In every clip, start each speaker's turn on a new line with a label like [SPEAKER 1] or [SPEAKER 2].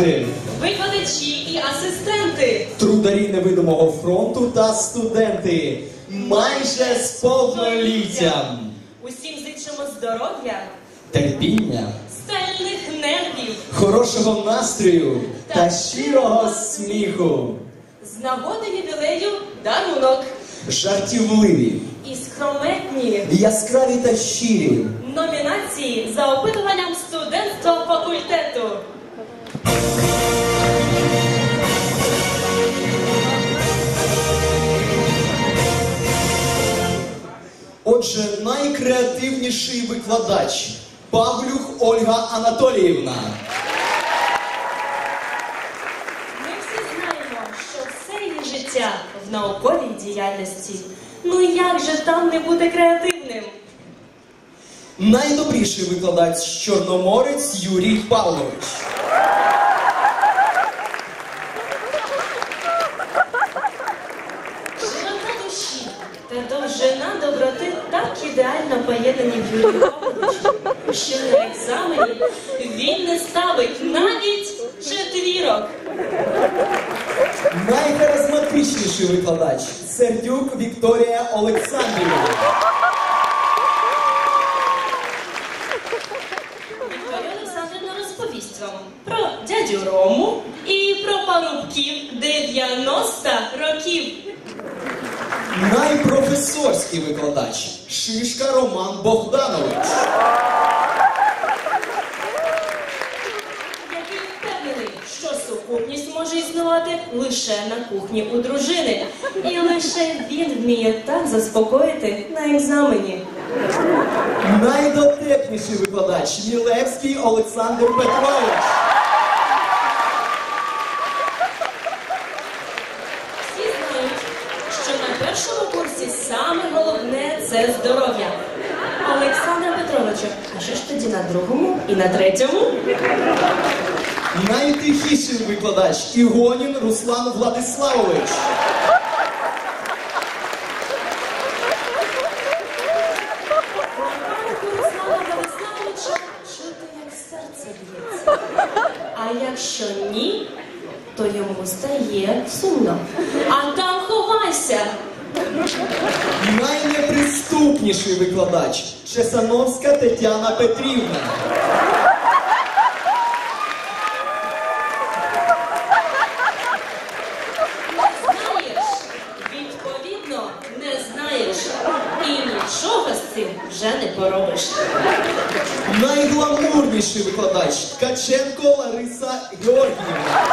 [SPEAKER 1] лейтенанти,
[SPEAKER 2] викладачі і асистенти,
[SPEAKER 1] трударі невидимого фронту та студенти, майже з повноліттям,
[SPEAKER 2] усім зичимо здоров'я,
[SPEAKER 1] терпіння,
[SPEAKER 2] стальних нервів,
[SPEAKER 1] хорошого настрою та щирого сміху,
[SPEAKER 2] з нагоди ювілею дарунок,
[SPEAKER 1] жартівливі,
[SPEAKER 2] і скрометні
[SPEAKER 1] яскраві та щирі.
[SPEAKER 2] номінації за опитуванням студентства факультету.
[SPEAKER 1] Отже, найкреативніший викладач Павлюх Ольга Анатоліївна.
[SPEAKER 2] Ми всі знаємо, що все її життя в науковій діяльності. Ну як же там не бути креативним?
[SPEAKER 1] Найдобріший викладач Чорноморець Юрій Павлович.
[SPEAKER 2] Широта душі та довжина доброти так ідеально поєднані в Юрію Павловичу, що на екзамені він не ставить навіть четвірок.
[SPEAKER 1] Найхаризматичніший викладач Сердюк Вікторія Олександрівна.
[SPEAKER 2] Вікторія Олександрівна розповість вам про дядю Рому і про парубків 90 років.
[SPEAKER 1] Найпрофесорський викладач Шишка Роман Богданович.
[SPEAKER 2] Який впевнений, що сукупність може існувати лише на кухні у дружини. І лише він вміє так заспокоїти на екзамені.
[SPEAKER 1] Найдотепніший викладач Мілевський Олександр Петрович.
[SPEAKER 2] Всі знають, що на першому курсі саме головне – це здоров'я. Олександре Петровичу, а що ж тоді на другому і на третьому?
[SPEAKER 1] Найтихіший викладач Ігонін Руслан Владиславович.
[SPEAKER 2] Руслана Владиславовича чути, як серце б'ється. А якщо ні, то йому стає сумно. А там ховайся!
[SPEAKER 1] Найнеприступніший викладач Чесановська Тетяна Петрівна.
[SPEAKER 2] Знаєш, відповідно, не знаєш. І нічого з цим вже не поробиш.
[SPEAKER 1] Найгламурніший викладач Ткаченко Лариса Георгіївна.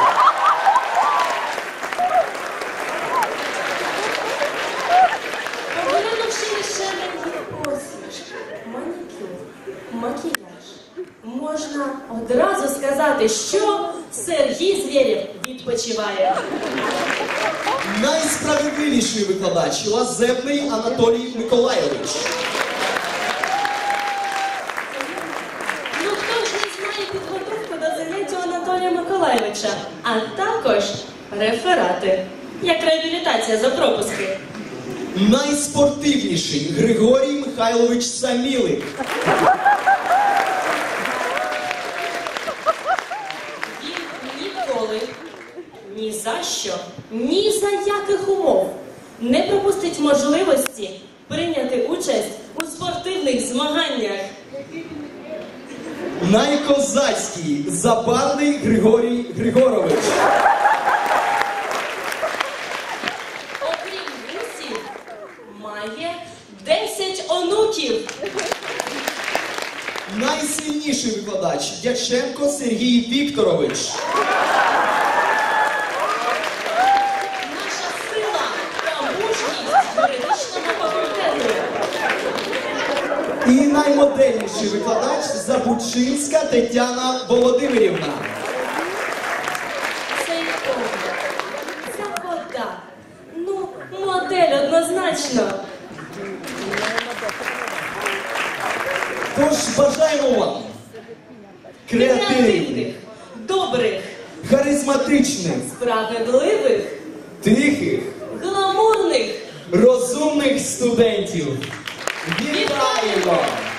[SPEAKER 2] Поглянувши лише на її посмішки, манікюр, макіяж, можна одразу сказати, що Сергій Звєрєв відпочиває.
[SPEAKER 1] Найсправедливіший викладач Лазебний Анатолій Миколайович.
[SPEAKER 2] Ну хто ж не знає підготовку до заняття Анатолія Миколайовича, а також реферати, як реабілітація за пропуски.
[SPEAKER 1] Найспортивніший Григорій Михайлович Самілик.
[SPEAKER 2] Він ніколи, ні за що, ні за яких умов не пропустить можливості прийняти участь у спортивних змаганнях.
[SPEAKER 1] Найкозацький Забарний Григорій Григорович.
[SPEAKER 2] Окрім вусів, має 10 онуків.
[SPEAKER 1] Найсильніший викладач Дяченко Сергій Вікторович.
[SPEAKER 2] Наша сила та мужність юридичного факультету.
[SPEAKER 1] І наймодельніший викладач Забучинська Тетяна Володимирівна.
[SPEAKER 2] Цей погляд, ця вода. Ну, модель однозначно.
[SPEAKER 1] Тож бажаємо вам креативних,
[SPEAKER 2] добрих,
[SPEAKER 1] харизматичних,
[SPEAKER 2] справедливих,
[SPEAKER 1] тихих,
[SPEAKER 2] гламурних.
[SPEAKER 1] розумних студентів. Вітаємо!